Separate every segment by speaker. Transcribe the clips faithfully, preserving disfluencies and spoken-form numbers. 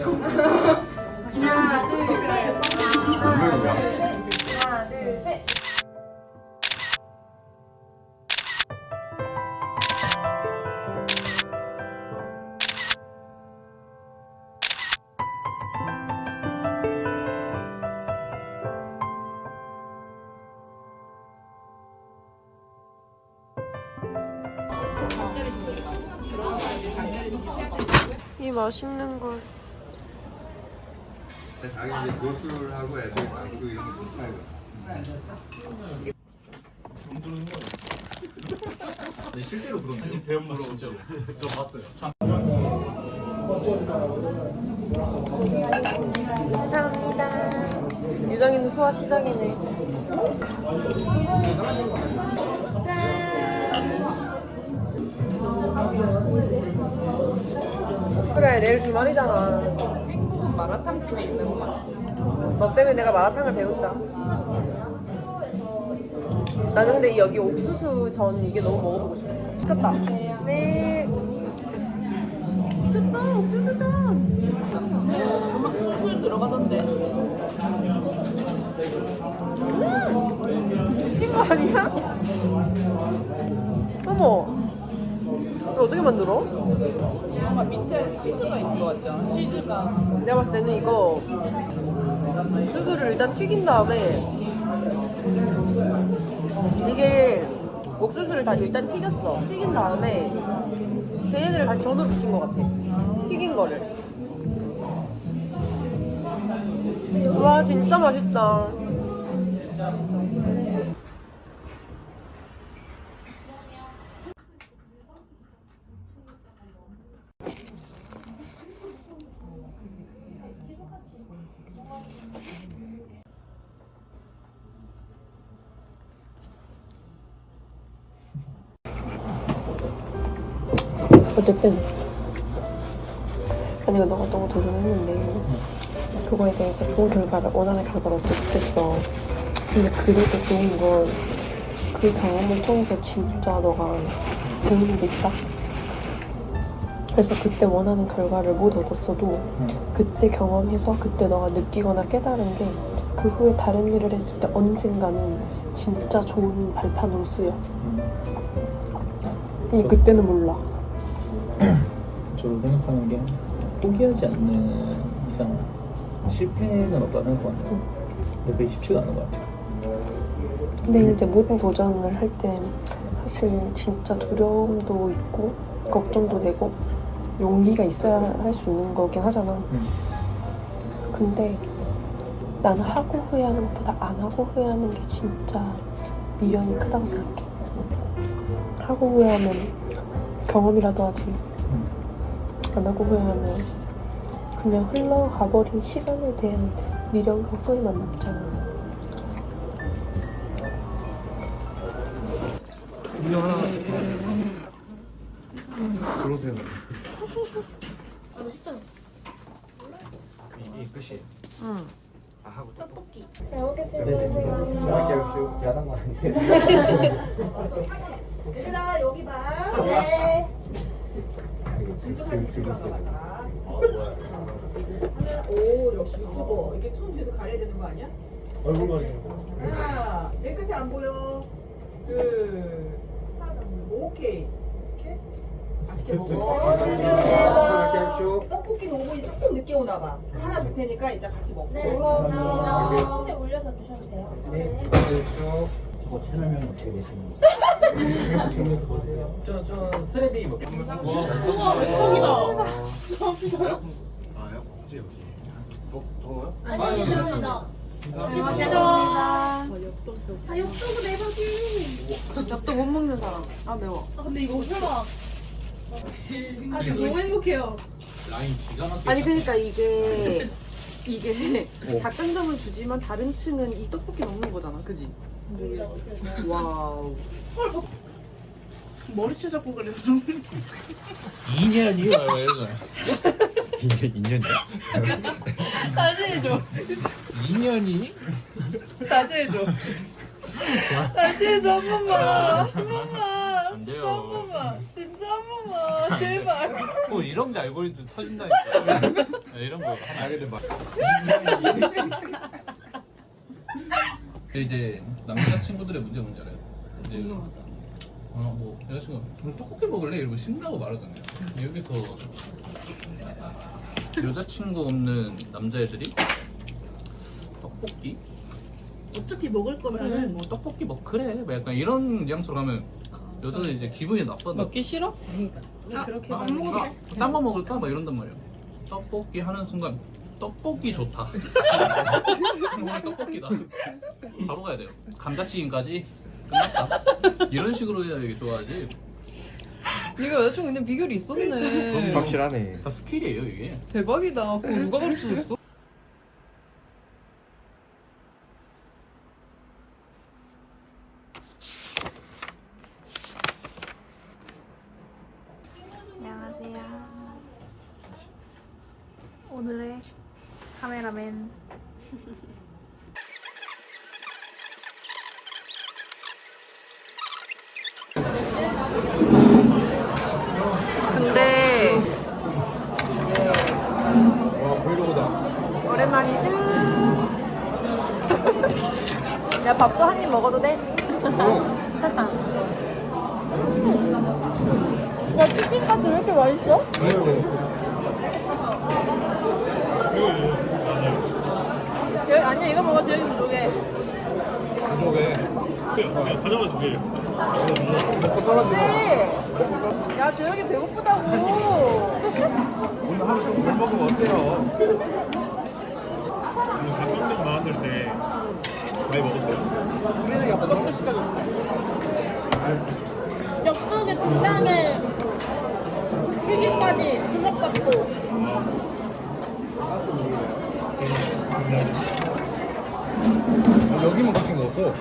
Speaker 1: 하나, 둘, 셋. 하나, 둘, 셋. 하나, 둘, 셋.
Speaker 2: 이 맛있는 걸.
Speaker 3: 자기 이제 교수하고 애들 친구 이런 거 좋다요.
Speaker 4: 네, 실제로 그런데요? 배움으로 진짜로. 저 봤어요.
Speaker 2: 감사합니다. 유정이는 소화 시작이네. 그래, 내일 주말이잖아.
Speaker 5: 행복은 마라탕집에 있는 것 같아.
Speaker 2: 너 때문에 내가 마라탕을 배운다. 나는 근데 여기 옥수수 전 이게 너무 먹어보고 싶어. 미쳤다. 네. 미쳤어, 옥수수 전.
Speaker 5: 음악 술술 들어가던데.
Speaker 2: 미친 거 아니야? 어머. 이거 어떻게 만들어?
Speaker 5: 뭔가 밑에 치즈가 있는 것 같죠? 치즈가.
Speaker 2: 내가 봤을 때는 이거 옥수수를 일단 튀긴 다음에 이게 옥수수를 다 일단 튀겼어. 튀긴 다음에 걔네들을 다시 전으로 붙인 것 같아. 튀긴 거를. 와 진짜 맛있다. 어쨌든 아니가 너가 너무 도전했는데 그거에 대해서 좋은 결과를 원하는 결과를 얻지 못했어. 근데 그래도 좋은 건 그 경험을 통해서 진짜 너가 배우는 게 있다. 그래서 그때 원하는 결과를 못 얻었어도 그때 경험해서 그때 너가 느끼거나 깨달은 게 그 후에 다른 일을 했을 때 언젠가는 진짜 좋은 발판으로 쓰여. 근데 그때는 몰라.
Speaker 4: 저로 생각하는 게 포기하지 않는 이상 실패는 없다는 것 같아요. 근데 그게 쉽지가 않은 것 같아요.
Speaker 2: 근데 이제 모든 도전을 할 때 사실 진짜 두려움도 있고 걱정도 되고 용기가 있어야 할 수 있는 거긴 하잖아.
Speaker 4: 음.
Speaker 2: 근데 나는 하고 후회하는 것보다 안 하고 후회하는 게 진짜 미련이 크다고 생각해. 하고 후회하면 경험이라도 하지. 안 하고 후회하면 그냥 흘러가버린 시간에 대한 미련과 후회만 남잖아.
Speaker 3: 음료 하나. 들어오세요. 이게 끝이에요.
Speaker 2: 응.
Speaker 3: 아 하고 떡볶이.
Speaker 1: 잘 먹겠습니다.
Speaker 3: 야단 거 아닌데.
Speaker 6: 얘들아 여기 봐.
Speaker 1: 네.
Speaker 6: 오 역시 유튜버. 이게 손 뒤에서 가려야 되는 거 아니야?
Speaker 3: 얼굴만.
Speaker 6: 하나, 맨 끝에 안 보여. 둘, 오케이. 오케이. 맛있게 먹어. 떡볶이는 오븐이 조금 늦게 오나 봐. 하나 줄 테니까 이따 같이 먹고.
Speaker 1: 네, 감사합니다. 침대 올려서 주셔도 돼요.
Speaker 6: 네.
Speaker 4: 저거 채널명 어떻게 되시는 거예요? 저, 저 트레비 먹
Speaker 6: 우와, 맥떡이다.
Speaker 3: 아요? 혹시 더 더워요?
Speaker 1: 아니, 감사합니다. 감사합니다.
Speaker 6: 아, 엽떡은 내버지.
Speaker 2: 엽떡 못 먹는 사람. 아 매워.
Speaker 6: 아, 근데 이거 설마. 아, 지금 너무 행복해요.
Speaker 4: 라인 기가 막히게.
Speaker 2: 아니 그러니까 이게 이게 닭강정은 주지만 다른 층은 이 떡볶이 먹는 거잖아, 그지? 와우.
Speaker 6: 머리채 잡고 그래.
Speaker 4: 이 년이요? 왜 이러나? 이 년이야?
Speaker 6: 다시 해줘.
Speaker 4: 이 년이?
Speaker 6: 다시 해줘. 다시 해줘 한 번만. 한 번만.
Speaker 4: 안
Speaker 6: 진짜
Speaker 4: 돼요.
Speaker 6: 한 번만. 진짜 한 번만.
Speaker 5: 아 제발.
Speaker 4: 뭐 이런 게 알고리즘 터진다니까. 야, 이런 거.
Speaker 3: 아 근데 막
Speaker 4: 이제 남자 친구들의 문제 뭔지 알아요? 이제 어뭐 여자친구가 오늘 떡볶이 먹을래? 이러고 신나고 말하잖아요. 여기서 여자친구 없는 남자애들이 떡볶이?
Speaker 5: 어차피 먹을
Speaker 4: 그래
Speaker 5: 거면은
Speaker 4: 뭐 떡볶이 뭐 그래 뭐 약간 이런 뉘앙스로 가면 여자는 이제 기분이 나빠다.
Speaker 5: 먹기 싫어?
Speaker 4: 아,
Speaker 5: 그렇게
Speaker 4: 안 먹어도 딴거 먹을까? 막 이런단 말이야. 떡볶이 하는 순간 떡볶이 좋다. 오늘 떡볶이다. 바로 가야 돼요. 감자튀김까지 끝났다. 이런 식으로 해야 이게 좋아하지.
Speaker 5: 네가 여자친구 있는 비결이 있었네.
Speaker 3: 확실하네.
Speaker 4: 다 스킬이에요 이게.
Speaker 5: 대박이다. 그거 누가 가르쳐줬어?
Speaker 1: 안녕하세요. 오늘의 카메라맨.
Speaker 2: 근데
Speaker 3: 와 브이로그다.
Speaker 1: 오랜만이죠? 야 밥도 한 입 먹어도 돼? 야 치킨까지 왜 이렇게 맛있어? 여기 아니야 이거 먹어 저기 부족해.
Speaker 3: 부족해. 가져가서 돼. 먹고 떨어지네.
Speaker 1: 네. 야 저녁에 배고프다고.
Speaker 3: 오늘 하루 좀 덜 먹으면 어때요?
Speaker 7: 가끔씩 나왔을 때 많이 먹었어요.
Speaker 3: 우리는 약간 너무 시켜줬어.
Speaker 1: 엽떡에 중간에 튀김까지 주먹밥도.
Speaker 3: 여기만 그렇게 먹었어.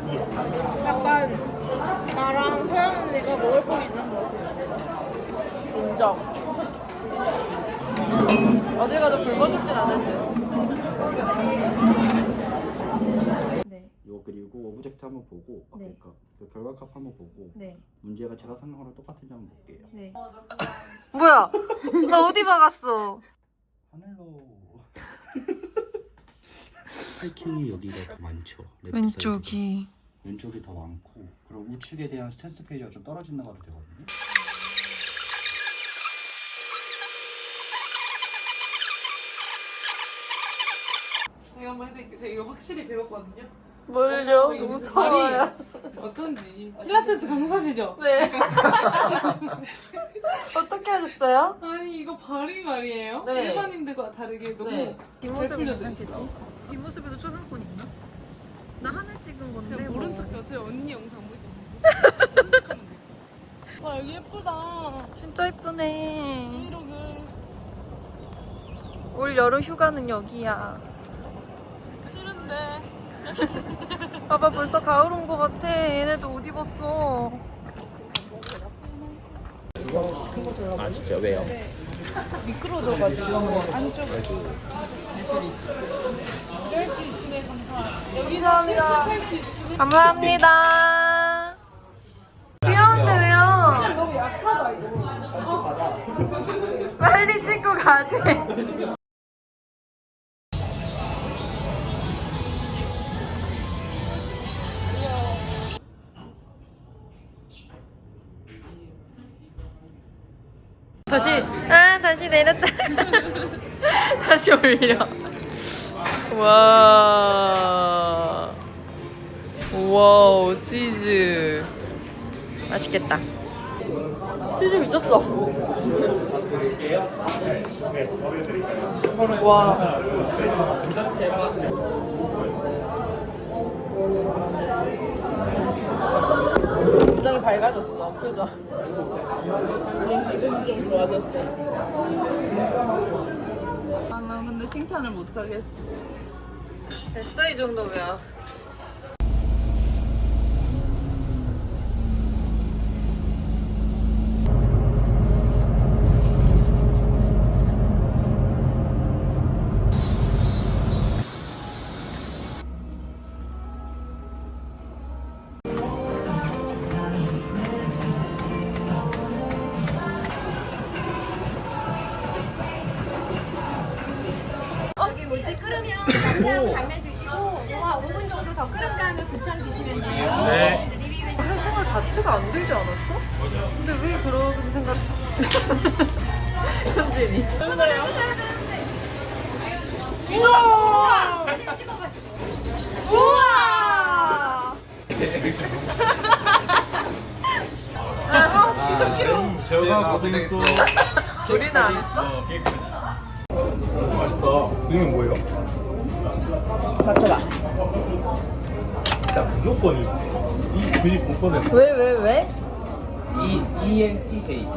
Speaker 1: 약간 나랑 서연 언니가 먹을 거 있는 거 같아. 인정. 어딜 가도 굶어 죽진 않을 듯.
Speaker 8: 네. 요 그리고 오브젝트 한번 보고 아,
Speaker 1: 네.
Speaker 8: 그러니까 그 결과값 한번 보고
Speaker 1: 네.
Speaker 8: 문제가 제가 생각한 거랑 똑같은지 한번 볼게요.
Speaker 1: 네.
Speaker 2: 뭐야? 나 어디 박았어?
Speaker 8: 하늘로 하이킹이 여기가 더 많죠. 레프트
Speaker 2: 왼쪽이.
Speaker 8: 사이드가. 왼쪽이 더 많고 그럼 우측에 대한 스탠스 페이지가 좀 떨어진다고 해도 되거든요.
Speaker 5: 제가 한번 해드릴게요. 제가 이거 확실히 배웠거든요.
Speaker 2: 뭘요?
Speaker 5: 이거
Speaker 2: 무서워요.
Speaker 5: 어쩐지. 필라테스 강사시죠?
Speaker 2: 네. 어떻게 하셨어요?
Speaker 5: 아니 이거 발이 말이에요.
Speaker 2: 네.
Speaker 5: 일반인들과 다르게 너무
Speaker 2: 네. 뒷모습은
Speaker 5: 풀려져
Speaker 2: 괜찮겠지?
Speaker 5: 있어.
Speaker 2: 뒷모습에도 초상권 있나? 나 하늘 찍은 건데
Speaker 5: 그냥 모른
Speaker 2: 뭐.
Speaker 5: 척해요. 제 언니 영상 보니까 모른 척하면 돼. 와 여기 예쁘다.
Speaker 2: 진짜 예쁘네.
Speaker 5: 브이로그
Speaker 2: 올 여름 휴가는 여기야.
Speaker 5: 싫은데.
Speaker 2: 봐봐 벌써 가을 온 거 같아. 얘네도 옷 입었어.
Speaker 4: 아 진짜 왜요?
Speaker 5: 미끄러져가지고 안쪽에 예술이 이럴 수 있으면 감사합니다. 여기서 실습할 수 있으면
Speaker 2: 감사합니다. 귀여운데 왜요?
Speaker 1: 너무 약하다 이거.
Speaker 2: 빨리 찍고 가지. 다시 아 다시 내렸다. 다시 올려. 와. 와우 치즈 맛있겠다. 치즈 미쳤어. 와.
Speaker 5: 굉장히 밝아졌어. 표정. 기분이 좀 좋아졌어. 아, 나 근데 칭찬을 못하겠어.
Speaker 2: 됐어 이 정도면.
Speaker 1: 끓으면 야채하고 당면 드시고 뭐가 오 분 정도 더 끓은 다음에 고창 드시면 돼요.
Speaker 7: 네.
Speaker 2: 할 생각 자체가 안 들지 않았어? 근데 왜 그런 생각? 현진이.
Speaker 1: 우와! 사진 찍어가지고. 우와! 아 진짜 싫어.
Speaker 3: 재호가 고생했어.
Speaker 2: 우리는 안 했어?
Speaker 7: 맛있다. 이건 뭐예요?
Speaker 2: 맞춰봐.
Speaker 7: 일단 무조건 이. 이 구십구 퍼센트.
Speaker 2: 왜, 왜, 왜?
Speaker 4: E E N T J.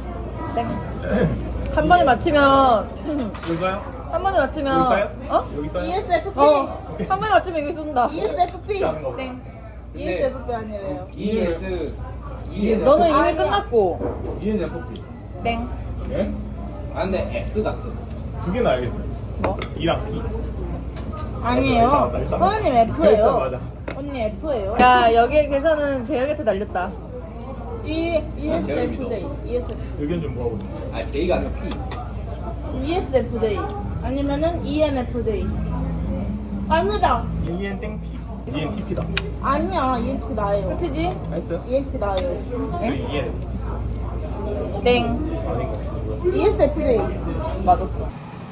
Speaker 2: 한 번에 맞히면,
Speaker 7: 뭘까요?
Speaker 2: 한 번에 맞히면,
Speaker 7: 여기 써요?
Speaker 2: 어?
Speaker 7: 여기 써요?
Speaker 5: 이에스에프피.
Speaker 2: 어. 한 번에 맞히면 이거 쏜다.
Speaker 5: 이에스에프피.
Speaker 7: 아는 거.
Speaker 5: 땡. 이에스에프피 아니래요.
Speaker 4: E S E N.
Speaker 2: 너는 이미 끝났고.
Speaker 3: E N F P.
Speaker 5: 땡.
Speaker 7: 예?
Speaker 4: 아 근데 S 같아.
Speaker 7: 두 개는 알겠어요.
Speaker 2: 뭐?
Speaker 7: E랑 P.
Speaker 5: 아니에요.
Speaker 7: 일단, 일단.
Speaker 5: 선생님
Speaker 7: 일단
Speaker 5: F예요.
Speaker 7: 맞아.
Speaker 5: 언니 F예요.
Speaker 2: 야, 여기에 계산은 재혁이한테 날렸다.
Speaker 5: E 이에스에프제이. 이에스에프제이.
Speaker 7: 의견 좀 모아보세요.
Speaker 4: 아 J가 아니라 P.
Speaker 5: 이에스에프제이. 아니면은 이엔에프제이. 아니다.
Speaker 7: 이엔 땡 P. 이엔 T P다.
Speaker 5: 아니야. 이엔티피 나예요.
Speaker 2: 끝이지?
Speaker 7: 알았어요?
Speaker 5: 이엔티피 나예요.
Speaker 7: 이엔
Speaker 2: 땡.
Speaker 7: 아닌 거 같아요.
Speaker 5: 이에스에프제이.
Speaker 2: 맞았어.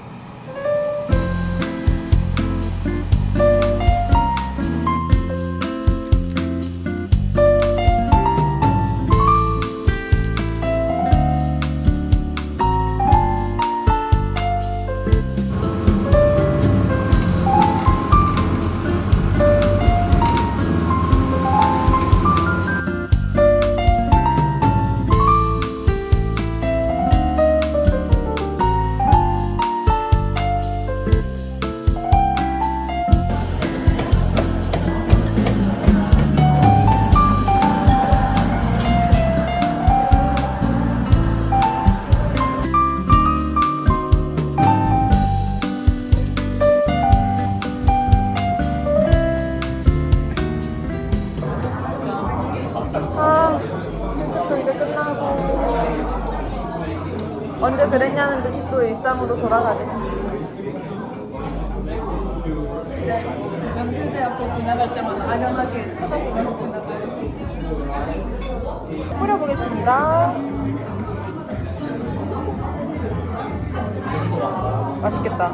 Speaker 2: 아, 실습도 이제 끝나고 언제 그랬냐는 듯이 또 일상으로 돌아가겠지.
Speaker 6: 이제 명실대 앞에 지나갈 때마다 아련하게 쳐다보면서 지나가야지.
Speaker 2: 뿌려보겠습니다. 맛있겠다.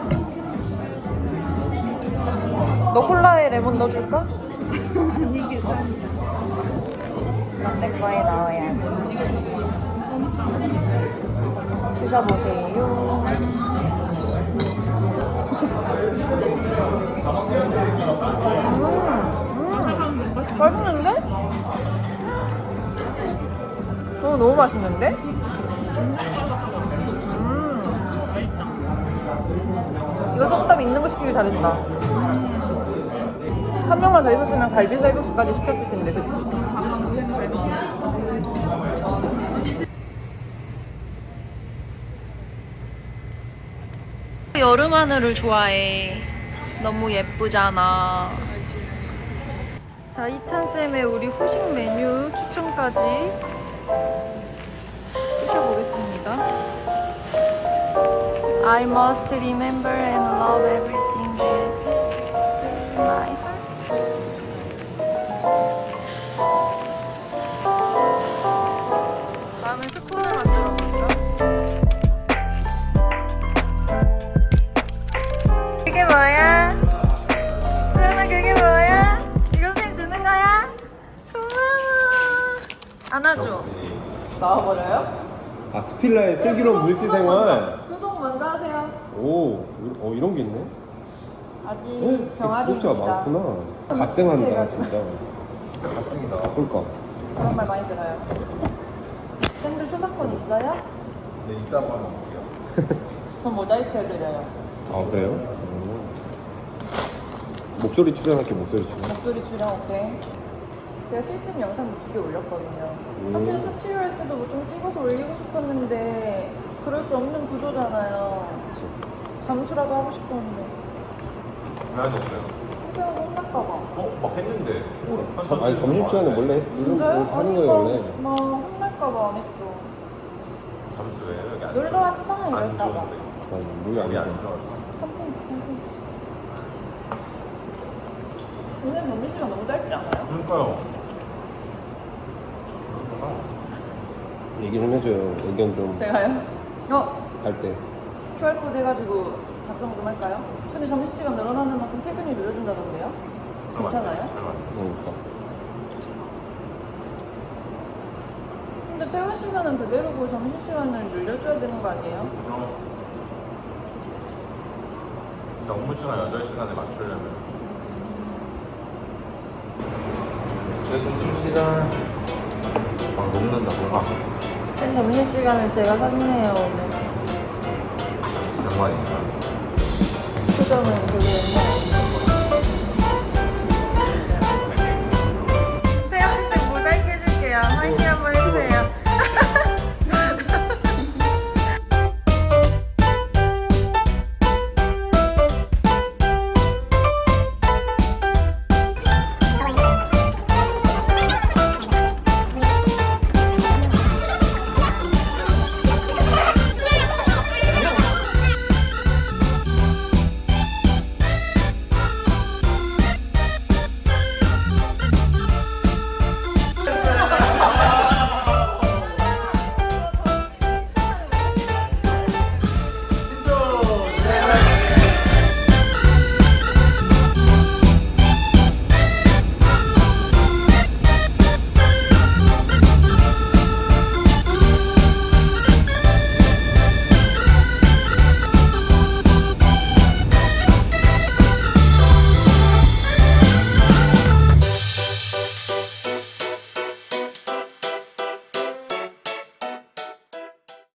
Speaker 2: 너 콜라에 레몬 넣어줄까?
Speaker 6: 아니 괜찮아.
Speaker 2: 내 거에 넣어야지. 드셔보세요. 음, 음, 맛있는데? 어, 너무 맛있는데? 음. 이거 쏙답 있는 거 시키길 잘했다. 한 명만 더 있었으면 갈비 쌀국수까지 시켰을 텐데, 그치? 여름 하늘을 좋아해. 너무 예쁘잖아. 자, 이찬쌤의 우리 후식 메뉴 추천까지 푸셔보겠습니다. I must remember and love everything that is to my heart. 다음은 스콘을 만들어 볼까? 그게 뭐야? 수연아, 그게 뭐야? 이거 선생님 주는 거야? 고마워. 안아줘. 나와버려요?
Speaker 9: 아, 스필라의 슬기로운 물질생활.
Speaker 2: 구독 먼저 하세요.
Speaker 9: 오, 어, 이런 게 있네.
Speaker 2: 아직
Speaker 9: 구독자가
Speaker 2: 병아리입니다.
Speaker 9: 많구나. 갓생한다, 진짜. 갓생이다. 바꿀까?
Speaker 2: 그런 말 많이 들어요. 쌤들 초사권 있어요?
Speaker 3: 네, 이따가 먹을게요.
Speaker 2: 전 모자이크 해드려요.
Speaker 9: 아, 그래요? 음. 목소리 출연할게, 목소리 출연.
Speaker 2: 목소리 출연 오케이. 제가 실습 영상도 두 개 올렸거든요. 사실 수치료 할 때도 뭐 좀 찍어서 올리고 싶었는데 그럴 수 없는 구조잖아요. 잠수라도 하고 싶었는데
Speaker 3: 왜 안 했어요?
Speaker 2: 선생님 혼날까봐.
Speaker 3: 어? 막 했는데.
Speaker 9: 점- 아니, 점심시간에 원래 이런 거
Speaker 2: 진짜요?
Speaker 9: 하는 거예요, 원래.
Speaker 2: 막 혼날까봐 안 했죠.
Speaker 3: 잠수 왜? 여기 안
Speaker 2: 놀러 왔어?
Speaker 3: 안
Speaker 2: 이럴까봐.
Speaker 3: 좋은데.
Speaker 9: 아니, 물이 안
Speaker 3: 여기 안
Speaker 9: 돼.
Speaker 3: 좋아서.
Speaker 2: 컨텐츠 컨텐츠.
Speaker 6: 선생님 점심시간 너무 짧지 않아요?
Speaker 7: 그러니까요.
Speaker 9: 얘기 좀 해줘요. 의견 좀 갈
Speaker 6: 제가요? 어?
Speaker 9: 때.
Speaker 6: 큐알코드 해가지고 작성 좀 할까요? 근데 점심시간 늘어나는 만큼 퇴근이 늦어진다던데요? 괜찮아요?
Speaker 9: 그러니까.
Speaker 6: 근데 퇴근 시간은 그대로고 점심시간을 늘려줘야 되는 거 아니에요?
Speaker 10: 그럼 일단 업무 시간 여덟 시간에 맞추려면 내 점심시간 막 녹는다 뭐가
Speaker 6: 쌤 점심시간을 제가 샀네요 오늘
Speaker 10: 양반이니까
Speaker 6: 표정은